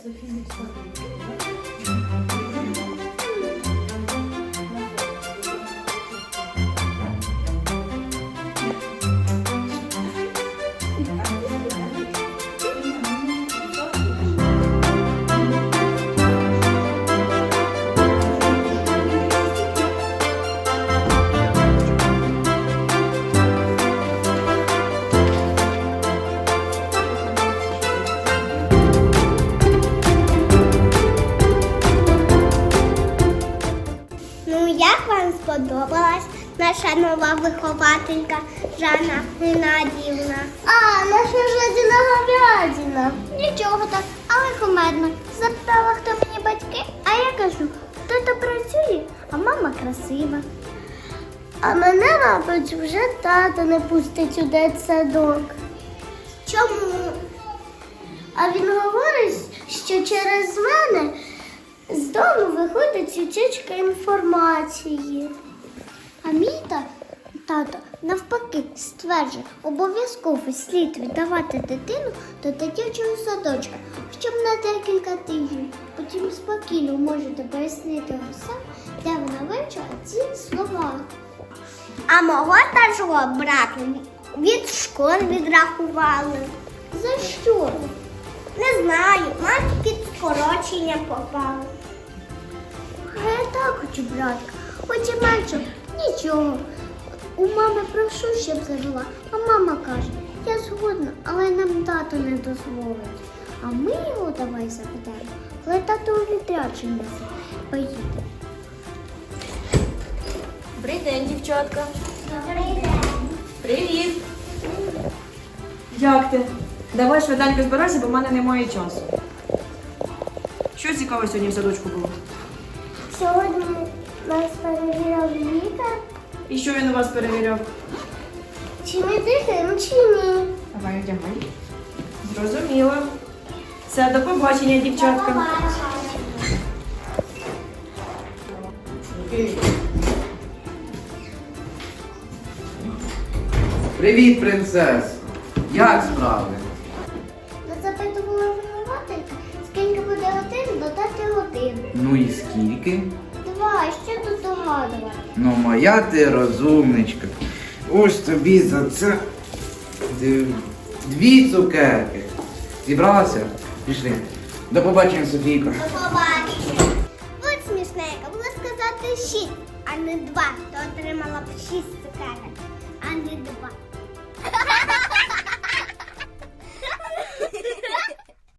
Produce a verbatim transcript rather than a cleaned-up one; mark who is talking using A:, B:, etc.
A: Як вам сподобалась наша нова вихователька Жанна Геннадіївна? А, наша Жадіна говядина. Нічого так, але кумедно. Запитала, хто мені батьки, а я кажу, тато працює, а мама красива. А мене, мабуть, вже тато не пустить у дитсадок. Чому? А він говорить, що через мене з дому виходить утічка інформації. А мій та- тато навпаки стверджує, обов'язково слід віддавати дитину до дитячого садочка, хоча б на декілька тижнів. Потім спокійно можете пояснити усе, де вона вивчила ці слова. А мого старшого брата від школи відрахували. За що? Не знаю, мати під скорочення попали. А я так хочу, братка, хоч і менше, нічого. У мами прошу, щоб зажила, а мама каже, я згодна, але нам тато не дозволить. А ми його давай запитаємо, коли тато у відрядження поїде.
B: Добрий день, дівчатка.
A: Добрий день.
B: Привіт. Як ти? Давай швиденько збирайся, бо в мене немає часу. Що цікаво сьогодні в садочку було?
A: Сьогодні нас перевіряв лікар,
B: І що він у вас перевіряв?
A: чи ми дихаємо, чи ні.
B: Давай одягай. Зрозуміло. Все, до побачення, дівчатка.
C: Привіт, принцес! Як справи?
A: Нас запитувала вихователька, скільки буде годин додати годин.
C: Ну і скільки?
A: Два, що тут догадувати?
C: Ну, моя ти розумничка. Ось тобі за це д- дві цукерки. Зібралася? Пішли. До побачення, Софійко.
A: До побачення. От смішненько, було сказати шість, а не два. То отримала б шість цукерок, а не два.